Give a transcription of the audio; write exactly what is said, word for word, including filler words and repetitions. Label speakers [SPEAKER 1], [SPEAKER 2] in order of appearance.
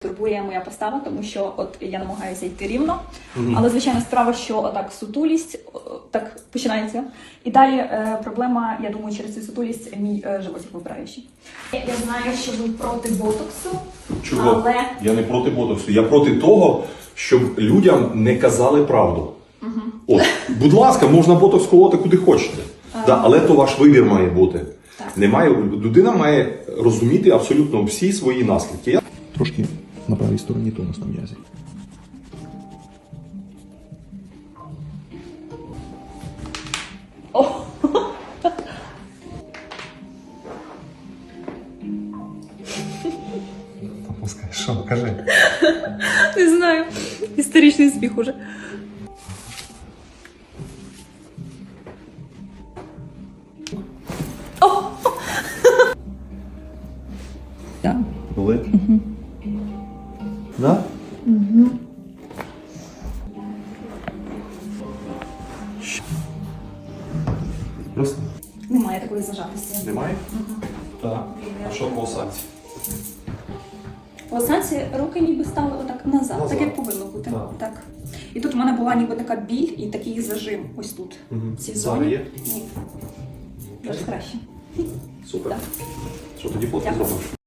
[SPEAKER 1] Турбує моя постава, тому що от я намагаюся йти рівно,
[SPEAKER 2] Мгм.
[SPEAKER 1] але звичайно справа, що отак сутулість о, так починається. І далі е, проблема, я думаю, через цю сутулість мій е, животик вибираючий. Я, я знаю, що ви проти ботоксу,
[SPEAKER 2] Чого?
[SPEAKER 1] але
[SPEAKER 2] Я не проти ботоксу. Я проти того, щоб людям не казали правду.
[SPEAKER 1] Угу.
[SPEAKER 2] От, будь ласка, можна ботокс колоти куди хочете. Да, але то ваш вибір має бути.
[SPEAKER 1] Так.
[SPEAKER 2] Немає, людина має розуміти абсолютно всі свої наслідки. Я... Трошки на правій стороні тонус на м'язі.
[SPEAKER 1] О!
[SPEAKER 2] Що, кажи.
[SPEAKER 1] Не знаю, історичний сміх уже. О! Так.
[SPEAKER 2] Болить? Угу. Да?
[SPEAKER 1] Угу.
[SPEAKER 2] Просто?
[SPEAKER 1] Немає такої зажатості.
[SPEAKER 2] Немає? Угу. Так. А що по осадці?
[SPEAKER 1] В осанці руки ніби стали отак назад,
[SPEAKER 2] Назад.
[SPEAKER 1] так як повинно бути.
[SPEAKER 2] Так.
[SPEAKER 1] Так. І тут у мене була ніби така біль і такий зажим ось тут.
[SPEAKER 2] Угу.
[SPEAKER 1] В цій
[SPEAKER 2] Зараз
[SPEAKER 1] зоні.
[SPEAKER 2] є?
[SPEAKER 1] Ні. Зараз краще.
[SPEAKER 2] Супер.
[SPEAKER 1] Так.
[SPEAKER 2] Що тоді фото
[SPEAKER 1] Дякую.
[SPEAKER 2] зробимо?